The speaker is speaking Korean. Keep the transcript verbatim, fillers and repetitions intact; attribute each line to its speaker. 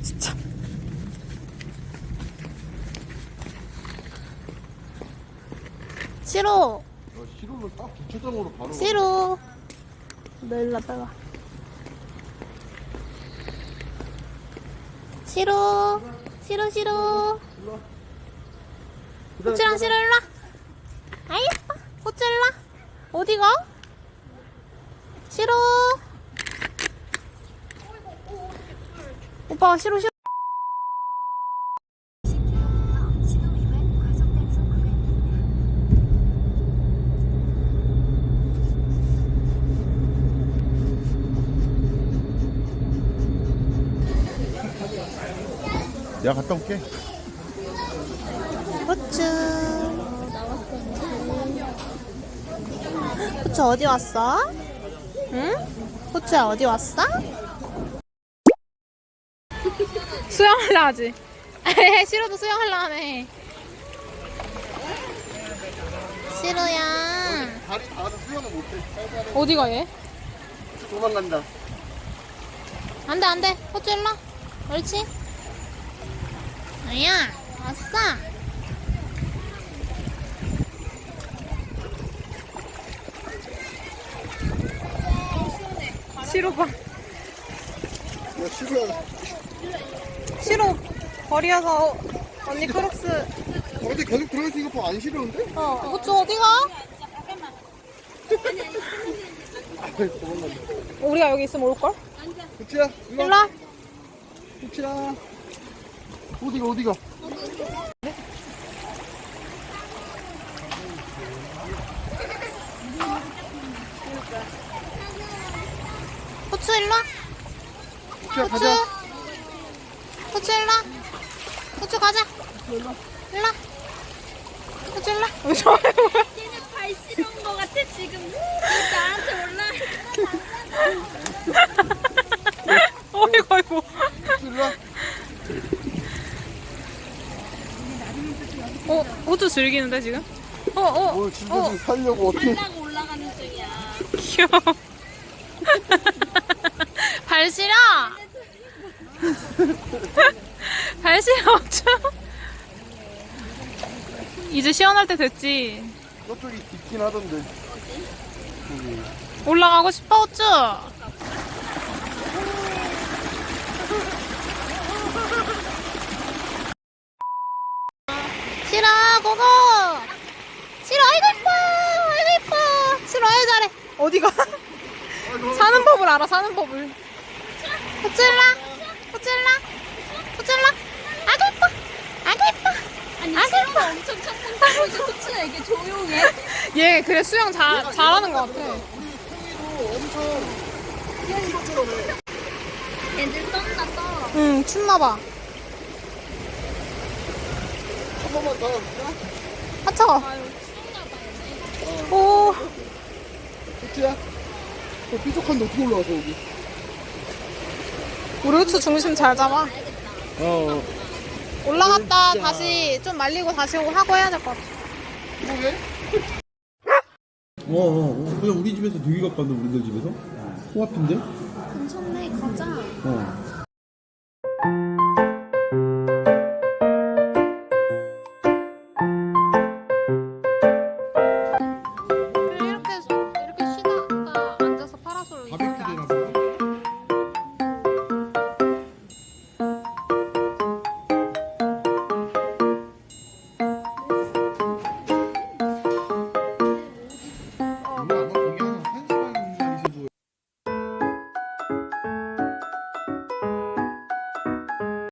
Speaker 1: 진짜. 싫어.
Speaker 2: 야, 시로는 딱 주차장으로 바로.
Speaker 1: 싫어. 너 일로 왔다가. 싫어. 싫어, 싫어. 호치랑 싫어, 일로 와. 아이, 예뻐. 호치 일로 와. 어디가? 싫어. 오빠가 싫어, 싫어.
Speaker 2: 내가 갔다 올게.
Speaker 1: 호추. 호추 어디 왔어? 응? 호추야 어디 왔어? 수영하려 하지. 싫어도 수영하려 하네. 싫어야.
Speaker 2: 다리 닿아서 수영은 못해.
Speaker 1: 어디가 얘?
Speaker 2: 도망간다.
Speaker 1: 안돼 안돼. 호추 일로 와. 옳지. 아야 왔어. 싫어 봐.
Speaker 2: 야, 시로야.
Speaker 1: 싫어. 버리어서 언니 크록스.
Speaker 2: 어디 계속 들어있으니까 뭐 안 싫었는데?
Speaker 1: 어, 호추 어디가?
Speaker 2: 도망간다.
Speaker 1: 우리가 여기 있으면 올걸?
Speaker 2: 후치야, 일로
Speaker 1: 일로
Speaker 2: 와.
Speaker 1: 와.
Speaker 2: 후치야. 어디가, 어디가?
Speaker 1: 호추 일로 와.
Speaker 2: 후치야,
Speaker 1: 호추.
Speaker 2: 가자.
Speaker 1: 호추 일로 와. 호추 가자. 일로 와. 호추 일로 와. 왜 저래?
Speaker 3: 얘는 발 싫은 거 같아 지금. 나한테 올라.
Speaker 1: 어이구 어이구.
Speaker 2: 후치 일로 와.
Speaker 1: 어, 호추 즐기는데 지금? 어, 어.
Speaker 2: 오늘 진짜 좀 살려고 어떻게.
Speaker 3: 올라가 올라가는 중이야.
Speaker 1: 귀여워. 발 시려. 발 시려 호추. 이제 시원할 때 됐지.
Speaker 2: 저쪽이 깊긴 하던데. 거기.
Speaker 1: 올라가고 싶어 호추. 싫어 고고. 싫어 아이고 이뻐 아이고 이뻐. 싫어 아이고 잘해. 어디가? 사는 법을 알아 사는 법을. 호찔라 호찔라 호찔라. 아이고 이뻐 아이고 이뻐.
Speaker 3: 아니
Speaker 1: 아이고
Speaker 3: 싫은 거
Speaker 1: 이뻐.
Speaker 3: 엄청 창문 타고 이제 코치가 이게 조용해.
Speaker 1: 얘 그래 수영 잘 잘하는 것 같아.
Speaker 2: 도 엄청 귀여운 것처럼 해.
Speaker 3: 애들 떤다 떠.
Speaker 1: 응 춥나봐.
Speaker 2: 한 번만 더.
Speaker 1: 아 차가.
Speaker 3: 아유 추운가 봐 얘네.
Speaker 1: 오.
Speaker 2: 후치야. 어, 삐죽한데 어떻게 올라와서 여기?
Speaker 1: 우리 호추 중심 잘 잡아.
Speaker 2: 어.
Speaker 1: 올라갔다
Speaker 2: 진짜.
Speaker 1: 다시 좀 말리고 다시 오고 하고 해야 될 것 같아.
Speaker 2: 이거게? 어, 어, 어. 그냥 우리 집에서 되게 가까운데, 우리들 집에서? 코앞인데?
Speaker 3: 괜찮네 가자.
Speaker 2: 어.
Speaker 1: 이렇게 이렇게 쉬다가 앉아서 파라솔.
Speaker 2: 바베큐 되나 보네.